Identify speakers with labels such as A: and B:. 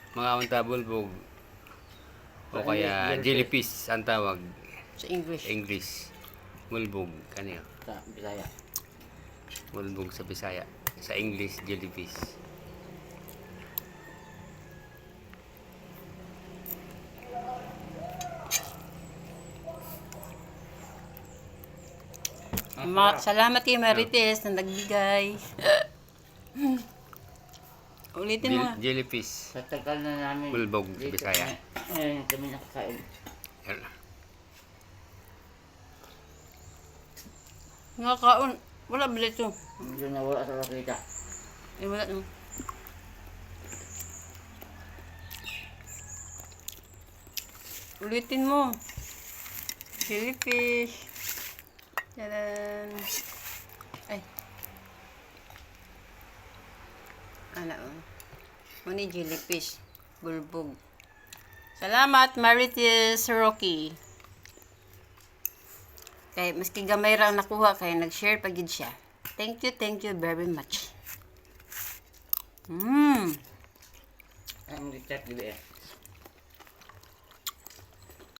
A: Mga unta bulbog. O kaya jellyfish ang tawag.
B: Sa English.
A: English. Bulbog. Kanyo?
C: Sa Bisaya.
A: Bulbog sa Bisaya. Sa English, jellyfish.
B: Salamat kay Marites na nagbigay. Ulitin mo nga.
A: Jellyfish.
C: Sa tagal na namin.
A: Bulbog sa Bisaya.
C: Ngayon kami nakakain.
A: Yan.
B: Nga kaon. Wala ba ito?
C: Hindi na wala sa kita.
B: Eh, wala no. Ulitin mo. Jellyfish. Tadan. Ay. Ala oh. Muni jellyfish. Bulbog. Salamat, Marites Rocky. Kay maski gamay ra ang nakuha kay nag-share pagid siya. Thank you very much.
C: Ang litat, di ba eh?